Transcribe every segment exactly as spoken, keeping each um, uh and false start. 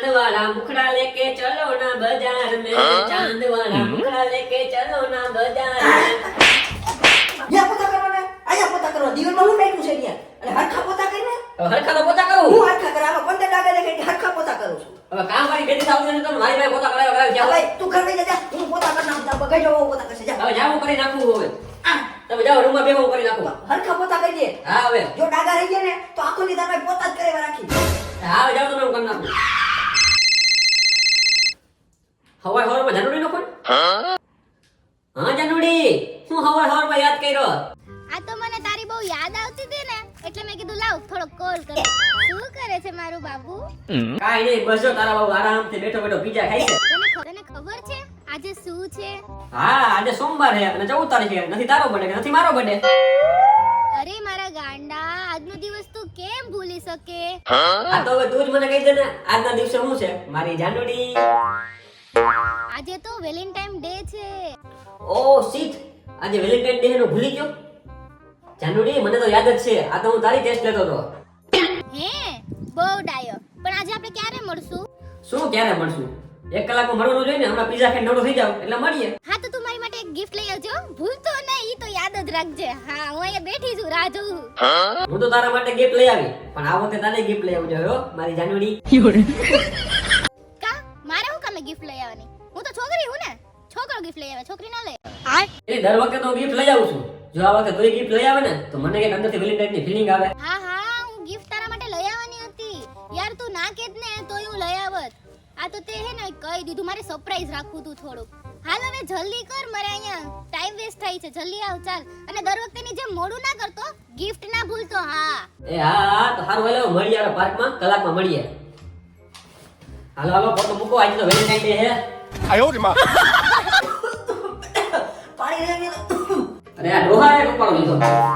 वाला मुखड़ा लेके चलो ना बाजार में चांद वाला मुखड़ा लेके चलो ना बाजार में યા પોતા કરો ને આયા પોતા કરો દીવાલમાં હું બેઠું છે ત્યાં અને હરખા પોતા કરીને હરખા પોતા કરું હું હરખા કરાવા પંદર ડાગા દેખે હરખા પોતા કરું છું હવે કામ વાળી બેટી આવતી ને તો મારી ભાઈ પોતા કરાવ્યો કરાવ્યો જા ભાઈ તું ઘર વઈ જા હું પોતા કરી નાખું બગાઈ જાવ પોતા કરશે જા હવે જાવું કરી નાખું હવે આ તમે જાઓ રૂમમાં બેહો કરી નાખું હરખા પોતા કરી દે હા હવે જો ડાગા રહી ગયા ને તો આખો ની તારે પોતા જ કરેવા રાખી હા હવે જાઓ તમે હું કરી નાખું હવાર હવારમાં જાનુડી નો ફોન હા જાનુડી શું હવાર હવારમાં યાદ કર્યો આ તો મને તારી બહુ યાદ આવતી હતી ને એટલે મેં કીધું લાવ થોડો કોલ કરું શું કરે છે મારું બાબુ કાઈ નહીં બસ જો તારા બાબુ આરામથી બેઠો બેઠો પીઝા ખાય છે તને ખ- તને ખબર છે આજે શું છે હા આજે સોમવાર છે અને ચૌદ તારીખે નથી તારો બર્થડે કે નથી મારો બર્થડે અરે મારા ગાંડા આજનો દિવસ તું કેમ ભૂલી શકે આ તો હવે તું જ મને કહી દે ને આજના દિવસે શું છે મારી જાનુડી આજે તો વેલેન્ટાઇન ડે છે ઓ શીટ આજે વેલેન્ટાઇન ડે નો ભૂલી ગયો જાનુડી મને તો યાદ જ છે આ તો હું તારી ટેસ્ટ લેતો હતો હે બહુ ડાયો પણ આજે આપણે ક્યારે મળશું શું ક્યારે મળશું એક કલાકમાં મળવાનું જોઈએ ને હમણાં પીઝા ખાઈને નવરો થઈ જાવ એટલે મળીએ હા તો તું મારી માટે એક ગિફ્ટ લઈ આવજો ભૂલતો નહીં ઈ તો યાદ જ રાખજે હા હું અહીંયા બેઠી છું રાહ જોઉં હું તો તારા માટે ગિફ્ટ લઈ આવી પણ આ વખતે તારે ગિફ્ટ લઈ આવજો હો મારી જાનુડી કા મારે હું કામે ગિફ્ટ લઈ આવવાની હું તો છોકરી હું ને છોકરો ગિફ્ટ લઈ આવે છોકરી ન લે એટલે દર વખતે તો ગિફ્ટ લઈ આવું છું જો આ વખતે તું ગિફ્ટ લઈ આવે ને તો મને કઈક અંદરથી વેલેન્ટાઇન ની ફીલિંગ આવે હા હા હું ગિફ્ટ તારા માટે લઈ આવવાની હતી યાર તું ના કેત ને તોય હું લઈ આવત આ તો તે હે ને કહી દીધું મારે સરપ્રાઈઝ રાખવું તું થોડુંક હાલ હવે જલ્દી કર મારે અહીંયા ટાઈમ વેસ્ટ થાય છે જલ્દી આવ ચાલ અને દર વખતેની જેમ મોડું ના કરતો ગિફ્ટ ના ભૂલતો હા એ હા હા તો સારું હાલો મળીએ આપણે પાર્કમાં કલાકમાં મળીએ હાલો હાલો ફોટો મૂકો આજે તો વેલેન્ટાઇન ડે હે 哎呦我的妈！ પાણી રહી અરે આ ડોહાએ કપાળો લીધો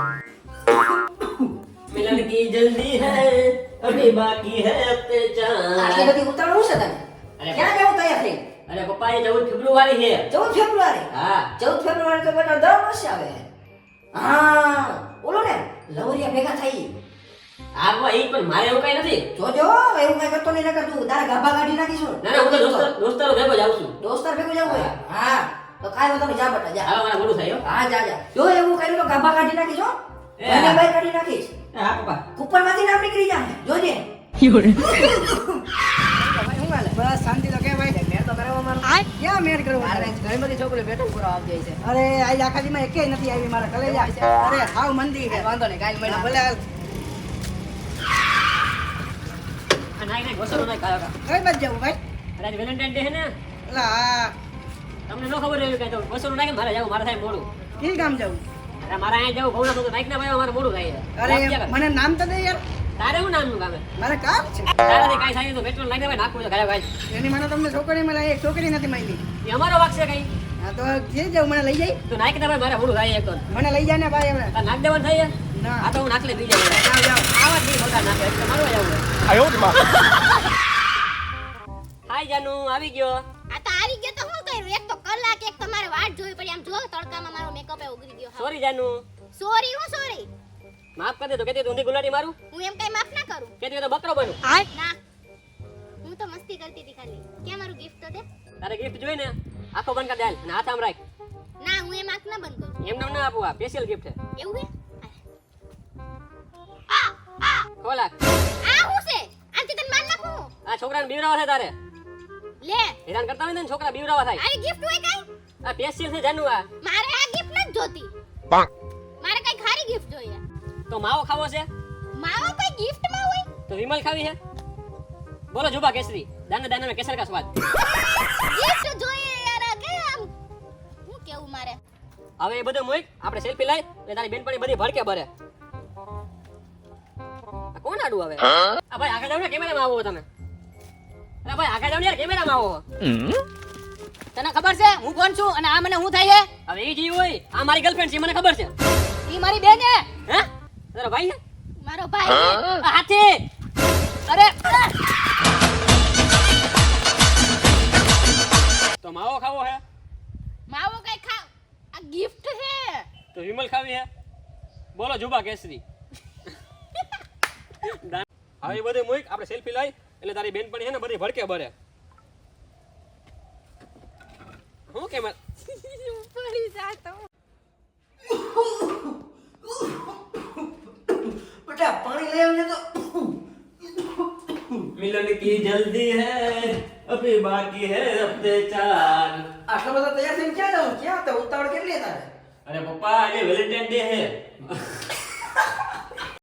મિલન કી જલ્દી હૈ અભી બાકી હૈ અબતે આટલી ચાર બધી ઉતાવળ શું છે તને અરે ક્યાં જવું તૈયાર થઈ અરે પપ્પા એ ચૌદ ફેબ્રુઆરી છે ચૌદ ફેબ્રુઆરી હા ચૌદ ફેબ્રુઆરી તો બેટા દર વર્ષે આવે હા બોલો ને લવરિયા ભેગા થઈ આગમાં ઈ પણ મારે એવું કઈ નથી જોજો એવું કઈ કરતો નહીં નકર તું તારા ગાભા કાઢી નાખીશું ના ના હું તો દોસ્તાર દોસ્તારો ભેગો જાઉં છું દોસ્તાર ભેગું જવું હોય હા તો કાઈ વાંધો નહીં જા બેટા જા હાલો મારા મોડું થાય હો હા જા જા જો એવું કર્યું તો ગાભા કાઢી નાખીશ હો એ મને હા. બાય કાઢી નાખીશ એ હા પપ્પા કુપરમાંથી નામ નીકળી જાય જોજે બસ શાંતિ તો કે ભાઈ મેર તો કરાવવા મારો ક્યાં મેર કરવો મારે ઘણી બધી છોકરીઓ બેઠો પૂરો આવી જાય છે અરે આજ આખા દીમાં એકેય નથી આવી મારા કલેજા અરે હાવ મંદી છે વાંધો નહીં કાલ મહિના ભલે હાલ. આ નાઈ નાઈ ગોસરો નાઈ કાયો કા કઈ બાજુ જવું ભાઈ અરે આજે વેલેન્ટાઇન ડે છે ને એલા આ તમને ન ખબર હોય કઈ તો ગોસરો નાઈ મારે જાવ મારે થાય મોડું કી કામ જવું અરે મારે અહીંયા જવું ઘઉંના તો નાઈક ના ભાઈ મારે મોડું થાય છે અરે વાત ક્યાં કરે? મને નામ તો દે યાર તારે શું નામનું કામ છે મારે કામ છે તારાથી કાંઈ થાય તો પેટ્રોલ નાખી દે ભાઈ નાખવું છે ગાય ભાઈ એની મને તમને છોકરી મળે એક છોકરી નથી મળી એ અમારો વાક છે કઈ હા તો જે જાવ મને લઈ જાય તો નાખી દે ભાઈ મારે મોડું થાય એક તો મને લઈ જાય ને ભાઈ હવે તાર નાખ દેવાનું થાય ના આ તો હું નાખલે બીજા જાય જાવ જાવ આવા જ નહીં મોટા નાખે એટલે મારવા જવું 哎呦我的妈！ હાય જાનુ આવી ગયો આ તો આવી ગયો તો હું કર્યું એક તો કલાક એક તમારે વાટ જોવી પડી આમ જો તડકામાં મારો મેકઅપ એ ઉગરી ગયો સોરી જાનુ સોરી હું સોરી માફ કરી દે તો કેતી ઊંધી ગુલાટી મારું હું એમ કઈ માફ ના કરું કેતી તો બકરો બનું ના હું તો મસ્તી કરતી હતી ખાલી ક્યાં મારું ગિફ્ટ તો દે તારે ગિફ્ટ જોઈ ને આખો બંધ કર દે હાલ અને હાથ આમ રાખ ના હું એમ આંખ ના બંધ કરું એમ નામ ના આપું આ સ્પેશિયલ ગિફ્ટ છે એવું હે ખોલા આ હું છે આંટી તને માર નાખું આ છોકરાને બીવરાવા થાય તારે લે હેરાન કરતા હોય ને છોકરા બીવરાવા થાય આવી ગિફ્ટ હોય કઈ આ સ્પેશિયલ છે જાનુ આ મારે આ ગિફ્ટ નથી જોતી મારે કઈ ખારી ગિફ્ટ જોઈએ તો માવો ખાવો છે માવો કઈ ગિફ્ટ માં હોય તો વિમલ ખાવી છે બોલો જુબા કેસરી દાના દાના में केसर का स्वाद ગિફ્ટ જોઈએ યાર આ કે આમ હું કેવું મારે હવે એ બધું મોઈક આપણે સેલ્ફી લઈ એટલે તારી બેનપણી બધી ભડકે ભરે આ કોણ આડું હવે આ ભાઈ આગળ જાવ ને કેમેરામાં આવો તમે અરે ભાઈ આગળ જાવ ને યાર કેમેરામાં આવો તને ખબર છે હું કોણ છું અને આ મને હું થાય છે હવે એ જીવ હોય આ મારી ગર્લફ્રેન્ડ છે મને ખબર છે ઈ મારી બેન છે હે તારો ભાઈ છે મારો ભાઈ આ હાથી અરે તો માવો ખાવો છે માવો કઈ ખાવ આ ગિફ્ટ છે તો વિમલ ખાવી છે બોલો જુબા કેસરી હવે એ બધું મોઈક આપણે સેલ્ફી લઈ એટલે તારી બેનપણી છે ને બધી ભડકે બરે. હું કેમ પડી જાતો બેટા પાણી લઈ આવજે તો. मिलन की जल्दी है अभी बाकी है हफ्ते चार. આટલા બધા તૈયાર થઈને ક્યાં જાઉં? ક્યાં હતા? ઉતાવળ કેટલી તારે? अरे पप्पा आज वेलेंटाइन डे है.